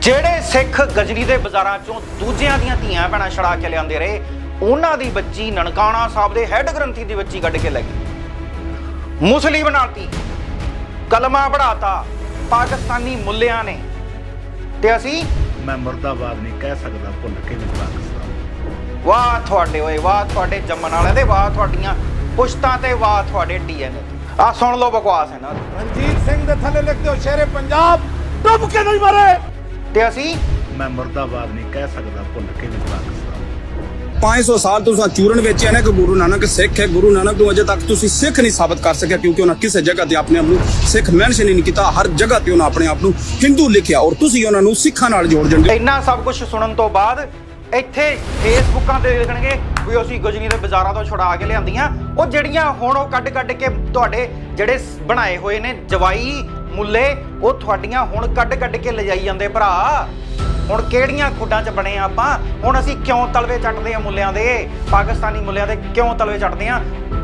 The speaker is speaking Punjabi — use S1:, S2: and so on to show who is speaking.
S1: ਜਿਹੜੇ ਸਿੱਖ ਗਜਨੀ ਦੇ ਬਾਜ਼ਾਰਾਂ ਚੋਂ ਦੂਜਿਆਂ ਦੀਆਂ ਧੀਆਂ ਭੈਣਾਂ ਛੜਾ ਕੇ ਲਿਆਂਦੇ ਰਹੇ, ਉਹਨਾਂ ਦੀ ਬੱਚੀ ਨਨਕਾਣਾ ਸਾਹਿਬ ਦੇ ਹੈੱਡ ਗ੍ਰੰਥੀ ਦੀ ਬੱਚੀ ਕੱਢ ਕੇ ਲੈ ਗਈ, ਮੁਸਲੀ ਬਣਾਤੀ, ਕਲਮਾ ਪੜਾਤਾ ਪਾਕਿਸਤਾਨੀ ਮੁੱਲਿਆਂ ਨੇ। ਤੇ ਅਸੀਂ
S2: ਮੈਂ ਮੁਰਦਾਬਾਦ ਨਹੀਂ ਕਹਿ ਸਕਦਾ, ਭੁੱਲ ਕੇ ਵੀ ਪਾਕਿਸਤਾਨ।
S1: ਵਾਹ ਤੁਹਾਡੇ ਓਏ, ਵਾਹ ਤੁਹਾਡੇ ਜੰਮਣ ਵਾਲਿਆਂ ਦੇ, ਵਾਹ ਤੁਹਾਡੀਆਂ ਪੁਸ਼ਤਾਂ ਤੇ, ਵਾਹ ਤੁਹਾਡੇ ਡੀਐਨਏ। ਆ ਸੁਣ ਲਓ ਬਕਵਾਸ ਇਹਨਾਂ ਦੀ।
S3: ਰਣਜੀਤ ਸਿੰਘ ਦੇ ਥੱਲੇ ਲਿਖ ਦਿਓ ਸ਼ੇਰੇ ਪੰਜਾਬ ਡੁੱਬ ਕੇ ਨਹੀਂ ਮਰੇ।
S1: ਤੇ ਅਸੀਂ
S2: ਮੈਂ ਮੁਰਦਾਬਾਦ ਨਹੀਂ ਕਹਿ ਸਕਦਾ, ਭੁੱਲ ਕੇ ਵੀ ਪਾਕਿਸਤਾਨ।
S4: 500 ਸਾਲ ਤੁਸੀਂ ਚੂਰਨ ਵੇਚਿਆ ਨਾ ਕਿ ਗੁਰੂ ਨਾਨਕ ਸਿੱਖ ਹੈ। ਗੁਰੂ ਨਾਨਕ ਨੂੰ ਅਜੇ ਤੱਕ ਤੁਸੀਂ ਸਿੱਖ ਨਹੀਂ ਸਾਬਤ ਕਰ ਸਕਿਆ, ਕਿਉਂਕਿ ਉਹਨਾਂ ਕਿਸੇ ਜਗ੍ਹਾ ਤੇ ਆਪਣੇ ਆਪ ਨੂੰ ਸਿੱਖ ਮੈਂਸ਼ਨ ਹੀ ਨਹੀਂ ਕੀਤਾ। ਹਰ ਜਗ੍ਹਾ ਤੇ ਉਹਨਾਂ ਆਪਣੇ ਆਪ ਨੂੰ ਹਿੰਦੂ ਲਿਖਿਆ, ਔਰ ਤੁਸੀਂ ਉਹਨਾਂ ਨੂੰ ਸਿੱਖਾਂ ਨਾਲ ਜੋੜ ਦਿੰਦੇ।
S1: ਇੰਨਾ ਸਭ ਕੁਝ ਸੁਣਨ ਤੋਂ ਬਾਅਦ ਇੱਥੇ ਫੇਸਬੁੱਕਾਂ ਤੇ ਲਿਖਣਗੇ ਵੀ ਅਸੀਂ ਗਜਨੀ ਦੇ ਬਾਜ਼ਾਰਾਂ ਤੋਂ ਛੁਡਾ ਕੇ ਲਿਆਂਦੀਆਂ। ਉਹ ਜਿਹੜੀਆਂ ਹੁਣ ਉਹ ਕੱਢ ਕੇ ਤੁਹਾਡੇ ਜਿਹੜੇ ਬਣਾਏ ਹੋਏ ਨੇ ਜਵਾਈ ਮੁੱਲੇ, ਉਹ ਤੁਹਾਡੀਆਂ ਹੁਣ ਕੱਢ ਕੇ ਲਿਜਾਈ ਜਾਂਦੇ ਭਰਾ। ਹੁਣ ਕਿਹੜੀਆਂ ਖੁੱਡਾਂ 'ਚ ਬਣੇ ਆਪਾਂ? ਹੁਣ ਅਸੀਂ ਕਿਉਂ ਤਲਵੇ ਚੱਟਦੇ ਆ ਮੁੱਲਿਆਂ ਦੇ, ਪਾਕਿਸਤਾਨੀ ਮੁੱਲਿਆਂ ਦੇ ਕਿਉਂ ਤਲਵੇ ਚੱਟਦੇ ਆ?